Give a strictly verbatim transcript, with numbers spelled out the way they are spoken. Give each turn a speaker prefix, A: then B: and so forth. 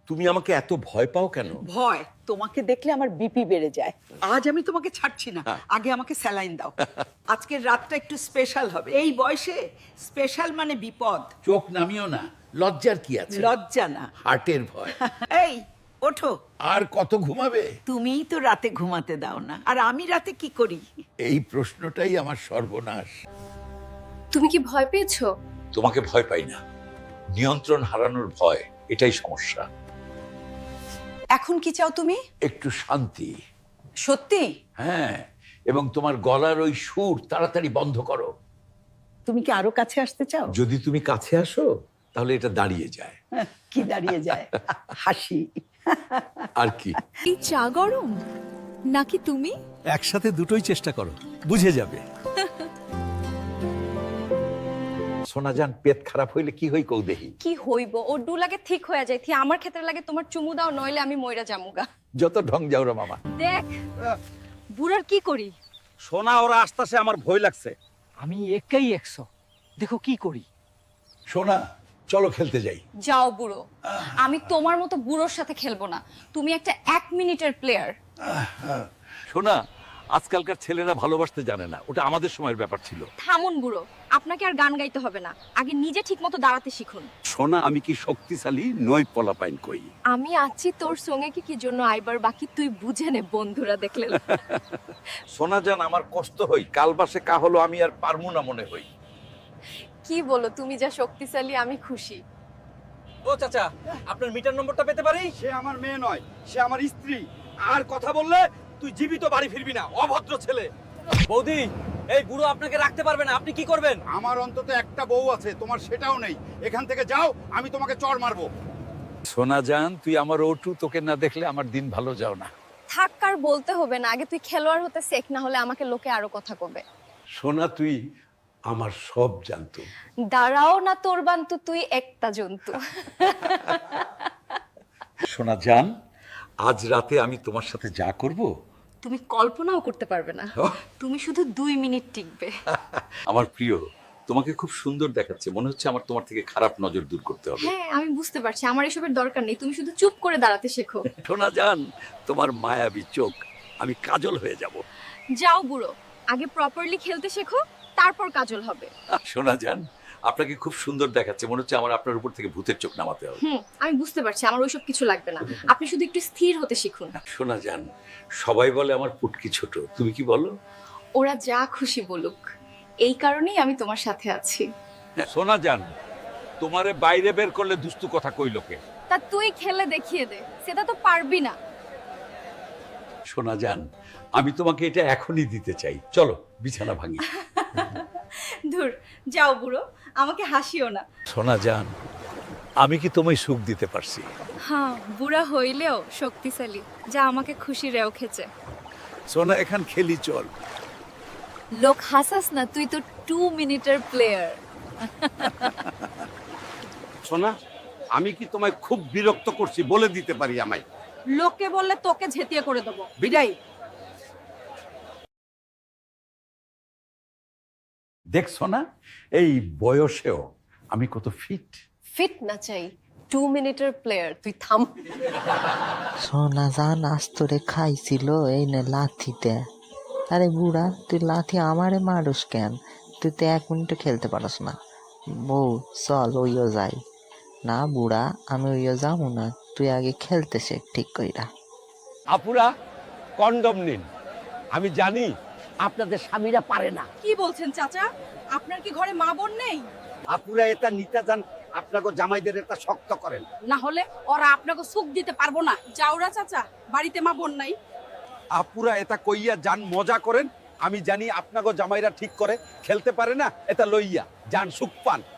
A: তুমি আমাকে এত ভয় পাও কেন?
B: ভয়? তোমাকে দেখলে আমার বিপি বেড়ে যায়। আজ আমি তোমাকে ছাড়ছি না, আগে আমাকে স্যালাইন দাও। আজকের রাতটা একটু স্পেশাল হবে। এই বয়সে স্পেশাল মানে বিপদ।
A: চোখ নামিও না, লজ্জার কি আছে?
B: লজ্জা না,
A: হার্টের ভয়।
B: এই ওঠো।
A: আর কত ঘুমাবে?
B: তুমিই তো রাতে ঘুমাতে দাও না, আর আমি রাতে কি করি?
A: এই প্রশ্নটাই আমার সর্বনাশ।
C: তুমি কি ভয় পেয়েছো?
A: তোমাকে ভয় পাই না, নিয়ন্ত্রণ হারানোর ভয়, এটাই সমস্যা।
B: এখন কি চাও তুমি?
A: একটু শান্তি।
B: সত্যি?
A: হ্যাঁ, এবং তোমার গলার ওই সুর তাড়াতাড়ি বন্ধ করো।
B: তুমি কি আরো কাছে আসতে চাও?
A: যদি তুমি কাছে আসো তাহলে এটা দাঁড়িয়ে যায়।
B: কি দাঁড়িয়ে যায়? হাসি।
A: আর কি?
C: এই চা গরম নাকি তুমি?
D: একসাথে দুটোই চেষ্টা করো, বুঝে যাবে।
A: সোনাজান, পেট খারাপ হইলে কি হই কও দেখি।
C: কি হইব, ও ডু লাগে ঠিক হয়ে যায়, থি আমার ক্ষেত্রে লাগে তোমার চুমু দাও, নইলে আমি মইরা জামুগা।
A: যত ঢং যাও রে মামা।
C: দেখ বুড়ার কি করি।
E: সোনা, ওরা আসতেছে, আমার ভয় লাগছে। আমি একাই একশো, দেখো কি করি।
A: সোনা, চলো খেলতে যাই।
C: যাও বুড়ো, আমি তোমার মতো বুড়োর সাথে খেলবো না। তুমি একটা এক মিনিটের প্লেয়ার।
A: সোনা, আজকালকার ছেলেরা ভালোবাসতে জানে না, ওটা আমাদের সময়ের ব্যাপার ছিল।
C: থামুন বুড়ো, আপনাকে আর গান গাইতে হবে না, আগে নিজে ঠিক মতো দাঁড়াতে শিখুন।
A: সোনা, আমি কি শক্তিশালী নই? পলাপাইন কই।
C: আমি আছি তোর সঙ্গে, কি কি জন্য আইবার বাকি তুই বুঝে নে, বন্ধুরা দেখলে।
A: সোনা জান, আমার কষ্ট হই, কাল বাসে কা হলো আমি আর পারমু না মনে হই।
C: কি বলো, তুমি যা শক্তিশালী আমি খুশি।
E: ও চাচা, আপনার মিটার নম্বরটা পেতে পারি? সে আমার মেয়ে নয়, সে আমার স্ত্রী। আর কথা বললে তুই জীবিত বাড়ি ফিরবি না, অভদ্র ছেলে। বৌদি, এই বুড়ো আপনাকে রাখতে পারবে না, আপনি কি করবেন?
F: আমার অন্তত একটা বউ আছে, তোমার সেটাও নেই। এখান থেকে যাও, আমি তোমাকে চড় মারবো।
A: সোনা জান, তুই আমার ওটু, তোকে না দেখলে আমার দিন ভালো যাও না।
C: থাক, আর বলতে হবে না, আগে তুই খেলোয়াড় হতে শেখ, না হলে আমাকে লোকে আরো কথা কবে।
A: সোনা, তুই আমার সব জানতো।
C: দাঁড়াও না তোর বান্তু, তুই একটা জন্তু।
A: সোনা জান, আজ রাতে আমি তোমার সাথে যা করব
C: তুমি কল্পনাও করতে পারবে না। তুমি শুধু দুই মিনিট টিকবে।
A: আমার প্রিয়, তোমাকে খুব সুন্দর দেখাচ্ছে, মনে হচ্ছে আমার তোমার থেকে খারাপ নজর দূর করতে হবে।
C: হ্যাঁ, আমি বুঝতে পারছি, আমার এসবের দরকার নেই, তুমি শুধু চুপ করে দাঁড়াতে শেখো।
A: সোনা জান, তোমার মায়াবী চোখ, আমি কাজল হয়ে যাব।
C: যাও বুড়ো, আগে প্রপারলি খেলতে শেখো, তারপর কাজল হবে।
A: সোনা জান, আপনাকে খুব সুন্দর দেখাচ্ছে, মনে হচ্ছে আমার আপনার উপর থেকে ভূতের চোখ নামাতে হবে।
C: হুম, আমি বুঝতে পারছি, আমার ওইসব কিছু লাগবে না, আপনি শুধু একটু স্থির হতে শিখুন।
A: সোনা জান, সবাই বলে আমার পুটকি ছোট, তুমি কি বলো?
C: ওরা যা খুশি বলুক, এই কারণেই আমি তোমার সাথে আছি।
A: সোনা জান, তোমারে বাইরে বের করলে দুস্তু কথা কই লোকে।
C: তা তুই খেলে দেখিয়ে দে, সেটা তো পারবি না।
A: সোনা জান, আমি তোমাকে এটা এখনই দিতে চাই, চলো বিছানা ভাঙি।
C: ধুর, যাও বুড়ো, আমাকে হাসিও না।
A: সোনা জান, আমি কি তোমায় সুখ দিতে পারছি?
C: হ্যাঁ, বুড়া হইলেও শক্তিশালী, যা আমাকে খুশি রেও খেছে।
A: সোনা, এখান খেলি চল।
C: লোক হাসাস না, তুই তো টু মিনিটের প্লেয়ার।
F: সোনা, আমি কি তোমায় খুব বিরক্ত করছি বলে দিতে পারি আমায়?
B: লোকে বললে তোকে ঝেঁটিয়ে করে দেবো। বিদায়।
A: দেখছো না, এই বয়সেও আমি কত ফিট।
C: ফিট না চাই, টু মিনিটের প্লেয়ার, তুই থাম।
G: সোনা জান আস্তরে খাইছিল এই নে লাথিতে। আরে বুড়া, তুই লাথি আমারে মারুস কেন? তুই তো এক মিনিটও খেলতে পারস না। বউ চল ওইও যাই। না বুড়া, আমি ওইও যাবো না, তুই আগে খেলতে শেখ ঠিক কইরা।
E: আপুরা, কন্ডম নিন। আমি জানি আপনাদের স্বামীরা পারে না।
B: কি বলছেন চাচা? আপনার কি ঘরে মা বোন নেই?
F: আপুরা এটা নিতে যান, আপনাকে জামাইদের এটা শক্ত করেন।
B: না হলে ওরা আপনাকে সুখ দিতে পারবো না। যাওরা চাচা, বাড়িতে মা বোন নাই।
F: আপুরা এটা কইয়া যান, মজা করেন। আমি জানি আপনাকে জামাইরা ঠিক করে খেলতে পারে না, এটা লইয়া যান সুখ পান।